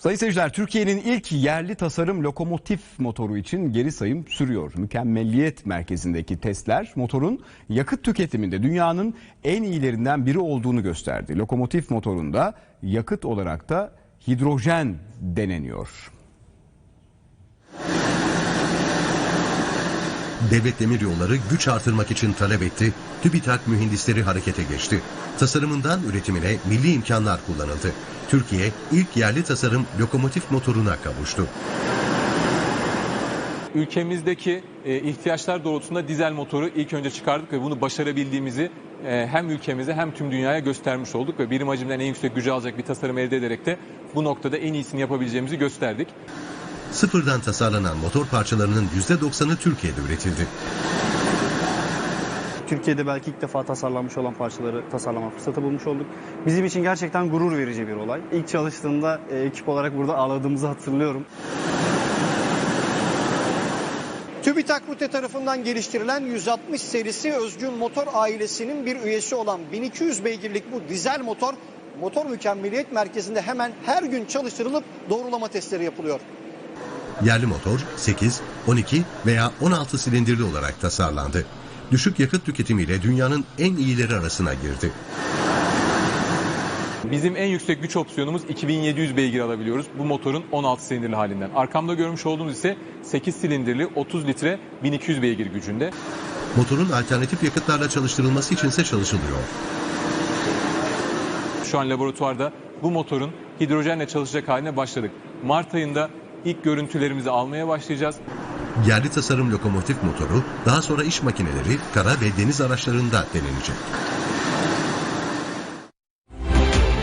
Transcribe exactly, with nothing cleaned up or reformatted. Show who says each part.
Speaker 1: Sayın seyirciler, Türkiye'nin ilk yerli tasarım lokomotif motoru için geri sayım sürüyor. Mükemmelliyet merkezindeki testler motorun yakıt tüketiminde dünyanın en iyilerinden biri olduğunu gösterdi. Lokomotif motorunda yakıt olarak da hidrojen deneniyor.
Speaker 2: Devlet Demiryolları güç artırmak için talep etti, TÜBİTAK mühendisleri harekete geçti. Tasarımından üretimine milli imkanlar kullanıldı. Türkiye ilk yerli tasarım lokomotif motoruna kavuştu.
Speaker 3: Ülkemizdeki e, ihtiyaçlar doğrultusunda dizel motoru ilk önce çıkardık ve bunu başarabildiğimizi e, hem ülkemize hem tüm dünyaya göstermiş olduk ve birim hacimden en yüksek gücü alacak bir tasarım elde ederek de bu noktada en iyisini yapabileceğimizi gösterdik.
Speaker 2: Sıfırdan tasarlanan motor parçalarının yüzde doksanı Türkiye'de üretildi.
Speaker 4: Türkiye'de belki ilk defa tasarlanmış olan parçaları tasarlama fırsatı bulmuş olduk. Bizim için gerçekten gurur verici bir olay. İlk çalıştığımda e, ekip olarak burada ağladığımızı hatırlıyorum.
Speaker 5: TÜBİTAK Rute tarafından geliştirilen yüz altmış serisi Özgün Motor ailesinin bir üyesi olan bin iki yüz beygirlik bu dizel motor, motor mükemmeliyet merkezinde hemen her gün çalıştırılıp doğrulama testleri yapılıyor.
Speaker 2: Yerli motor sekiz, on iki veya on altı silindirli olarak tasarlandı. Düşük yakıt tüketimiyle dünyanın en iyileri arasına girdi.
Speaker 3: Bizim en yüksek güç opsiyonumuz iki bin yedi yüz beygir alabiliyoruz bu motorun on altı silindirli halinden. Arkamda görmüş olduğumuz ise sekiz silindirli otuz litre bin iki yüz beygir gücünde.
Speaker 2: Motorun alternatif yakıtlarla çalıştırılması içinse çalışılıyor.
Speaker 3: Şu an laboratuvarda bu motorun hidrojenle çalışacak haline başladık. Mart ayında ilk görüntülerimizi almaya başlayacağız.
Speaker 2: Yerli tasarım lokomotif motoru daha sonra iş makineleri, kara ve deniz araçlarında denenecek.